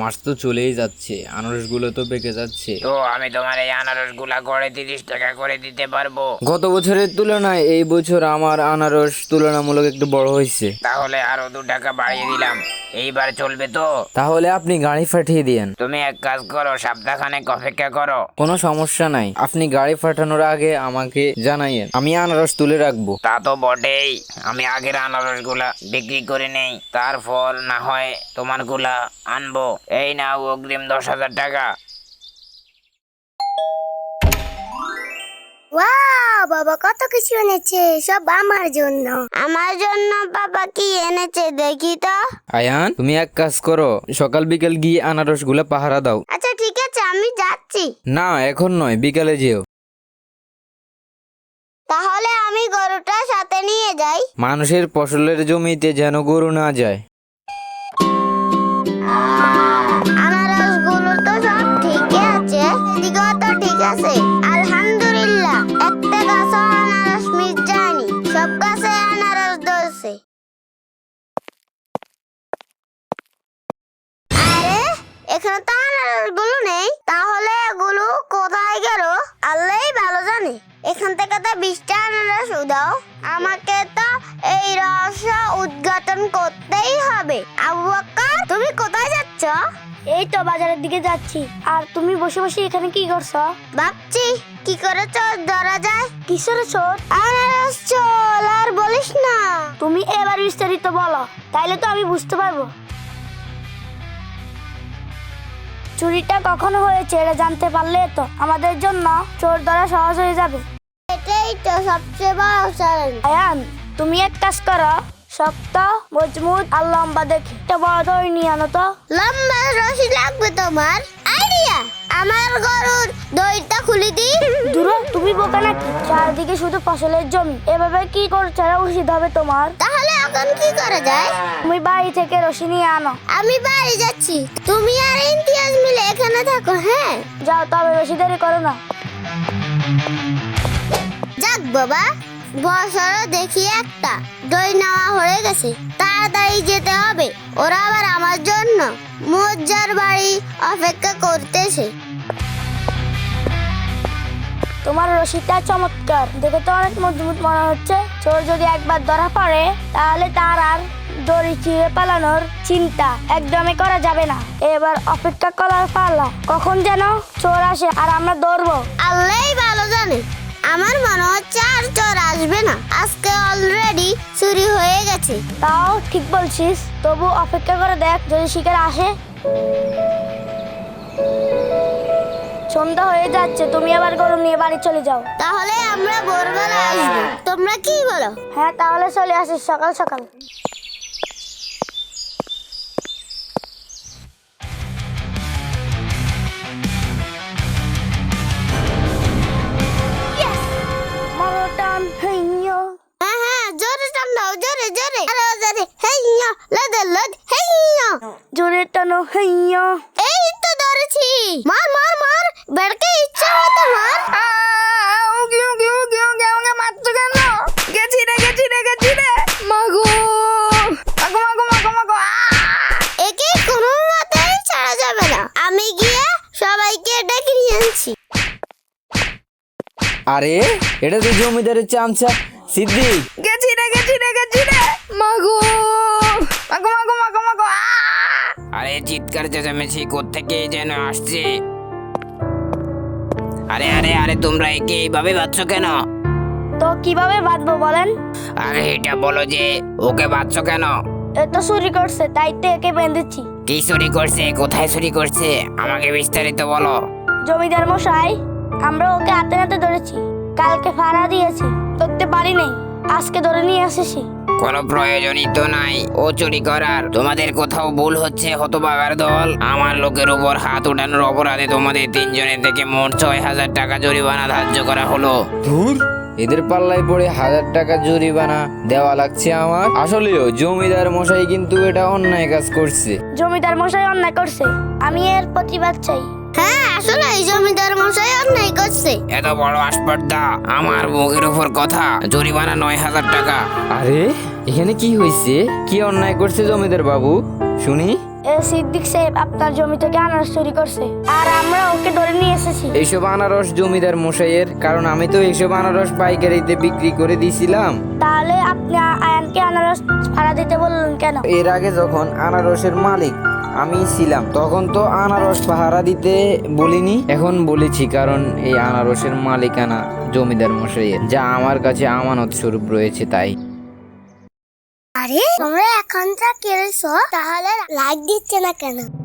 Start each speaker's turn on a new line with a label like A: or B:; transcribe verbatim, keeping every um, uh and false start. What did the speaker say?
A: মাস তো চলেই যাচ্ছে, আনারসগুলো তো পেকে যাচ্ছে।
B: তো আমি তোমার এই আনারসগুলা গড়ে তিরিশ টাকা করে দিতে পারবো।
A: গত বছরের তুলনায় এই বছর আমার আনারস তুলনামূলক একটু বড় হয়েছে।
B: তাহলে আরো দু টাকা বাড়িয়ে দিলাম, এইবার চলবে তো?
A: তাহলে আপনি গাড়ি পাঠিয়ে দিয়েন।
B: তুমি এক কাজ করো, সপ্তাহখানেক অপেক্ষা করো।
A: কোনো সমস্যা নাই, আপনি গাড়ি পাঠানোর আগে আমাকে জানাইয়েন, আমি আনারস তুলে রাখবো।
B: তা তো বটেই, আমি আগের আনারস গুলা বিক্রি করে নেই, তারপর না হয় তোমার গুলা আনবো। এই নাও অগ্রিম দশ হাজার টাকা।
C: ওয়াও, বাবা কত কিছু এনেছে, সব আমার জন্য। আমার জন্য বাবা কি এনেছে দেখি তো।
A: আয়ান, তুমি এক কাজ করো, সকাল বিকেল গিয়ে আনারস গুলা পাহারা দাও।
C: আচ্ছা ঠিক আছে, আমি যাচ্ছি।
A: না এখন নয়, বিকালে যেও।
C: তাহলে আমি গরুটা সাথে নিয়ে যাই।
A: মানুষের ফসলের জমিতে যেন গরু না যায়।
C: আনারস গুলো তো সব ঠিকই আছে, এদিকেও তো ঠিক আছে, আলহামদুলিল্লাহ। একটা গাছও আনারস মিস যায়নি, সব গাছে আনারস ধরছে। আরে এখানে তো আনারস গুলো নেই, তাহলে এগুলো কোথায় গেল আল্লাহই ভালো জানে। এখান থেকে তো বিশটা আনারস উদাও, আমাকে তো এই রহস্য উদ্ঘাটন করতেই হবে। আবু বকর, তুমি কোথায় যাচ্ছ? এই তো বাজারের দিকে যাচ্ছি। আর তুমি বসে বসে এখানে কি করছো? ভাবছি কি করে চোর ধরা যায়। কিসের চোর? আনারস চোর। আর বলিস না, তুমি এবার বিস্তারিত বলো, তাইলে তো আমি বুঝতে পারবো। চুরিটা কখনো হয়েছে এটা জানতে পারলে তো আমাদের জন্য চোর ধরা সহজ হয়ে যাবে। এটাই তো সবচেয়ে বড় চ্যালেঞ্জ। আয়ান, তুমি এক কাজ করো, শক্ত মজবুত আর লম্বা দেখে একটা বড় দড়ি নিয়ে আনো তো। লম্বা রশি লাগবে তোমার? আইডিয়া, আমার গরুর দড়িটা খুলে দিই। দূর, তুমি বোকা নাকি? চারদিকে শুধু ফসলের জমি, এভাবে কি করছে উচিত হবে তোমার? তাহলে এখন কি করা যায়? তুমি বাড়ি থেকে রশি নিয়ে আনো। আমি বাড়ি যাচ্ছি, তুমি আর ইমতিয়াজ মিলে এখানে থাকো। হ্যাঁ যাও, তবে বেশি দেরি করো না। যাক বাবা, বছর দেখি একটা দই নেওয়া হয়ে গেছে, তাড়াতাড়ি যেতে হবে। ওরা আবার আমার জন্য মজ্জার বাড়ি অপেক্ষা করতেছে। তোমার রশিটা চমৎকার, দেখে তো অনেক মজবুত মনে হচ্ছে। চোর যদি একবার ধরা পড়ে তাহলে তার আর দড়ি ছিঁড়ে পালানোর চিন্তা একদমই করা যাবে না। এবার অপেক্ষা করার পালা, কখন যেন চোর আসে আর আমরা দৌড়বো। আল্লাহই ভালো জানে, আমার মনে হচ্ছে আর চোর আসবে না, আজকে অলরেডি চুরি হয়ে গেছে। তাও ঠিক বলছিস, তবু অপেক্ষা করে দেখ যদি শিকার আসে। সন্ধ্যা হয়ে যাচ্ছে, তুমি আবার গরু নিয়ে বাড়ি চলে যাও। তাহলে আমরা ভোরবেলা আসবো, তোমরা কি বলো? হ্যাঁ তাহলে চলে আসিস সকাল সকাল। মরটান হেইয়ো। হ্যাঁ হ্যাঁ, জোরে টান দাও, জোরে জোরে, আরো জোরে। হেইয়ো, লদ লদ, হেইয়ো, জোরে টানো, হেইয়ো। এই তো ধরেছি, মার মার মার, বেড়কে ইচ্ছা মতো মার।
D: কিউ কিউ কিউ কিউ কে মারছো কেন? গেছি রে গেছি রে গেছি রে, মাগো মাগো মাগো মাগো মাগো।
C: একে কোনো মতেই ছাড়া যাবে না, আমি গিয়ে সবাইকে ডেকে নিয়ে আনছি।
A: আরে এটা তো জমিদারের চামচা সিদ্দিক।
D: গেছি রে গেছি রে গেছি রে, মাগো মাগো মাগো মাগো মাগো।
B: আরে চিৎকার চেঁচামেচি কোত্থেকে যেন আসছে। আরে আরে আরে তোমরা একে এইভাবে বাঁধছো কেন?
C: তো কিভাবে বাঁধবো বলেন?
B: আরে এটা বলো যে ওকে বাঁধছো কেন?
C: এ তো চুরি করছে, তাই তো একে বেঁধেছি।
B: কি চুরি করছে, কোথায় চুরি করছে, আমাকে বিস্তারিত বলো।
C: জমিদার মশাই, আমরা ওকে হাতে নাতে ধরেছি, কালকে ফাড়া দিয়েছি, ধরতে পারি নাই, আজকে ধরে নিয়ে এসেছি।
B: কোনো প্রয়োজনই তো নাই ও চুরি করার। তোমাদের কোথাও ভুল হচ্ছে হতভাগার দল। আমার লোকের উপর হাত উঠানোর অপরাধে তোমাদের তিনজনের থেকে মোট ছয় হাজার টাকা জরিমানা ধার্য করা হলো।
A: ধুর, এদের পাল্লায় পড়ে হাজার টাকা জরিমানা দেওয়া লাগছে আমার। আসলেও জমিদার মশাই কিন্তু এটা অন্যায় কাজ করছে।
C: জমিদার মশাই অন্যায় করছে, আমি এর প্রতিবাদ চাই। হ্যাঁ আসলে এই জমিদার মশাই অন্যায় করছে।
B: এত বড় আসপর্দা, আমার মুখের উপর কথা, জরিমানা নয় হাজার টাকা।
A: আরে এখানে কি হয়েছে? কি অন্যায় করছে জমিদার বাবু শুনি?
C: এ সিদ্দিক সাহেব আপনার জমি থেকে আনারস চুরি করছে, আর আমরা ওকে ধরে নিয়ে এসেছি।
A: এইসব আনারস জমিদার মশাইয়ের, কারণ আমি তো এইসব আনারস পাইকারিতে বিক্রি করে দিছিলাম।
C: তাহলে আপনি আয়ানকে আনারস ভাড়া দিতে বললেন কেন?
A: এর আগে যখন আনারসের মালিক আমি ছিলাম তখন তো আনারস পাহারা দিতে বলিনি, এখন বলেছি, কারণ এই আনারসের মালিকানা জমিদার মশাইয়ের, যা আমার কাছে আমানত স্বরূপ রয়েছে তাই।
C: আরে তোমরা এখন যা কেড়েছো, তাহলে লাইক দিচ্ছে না কেন?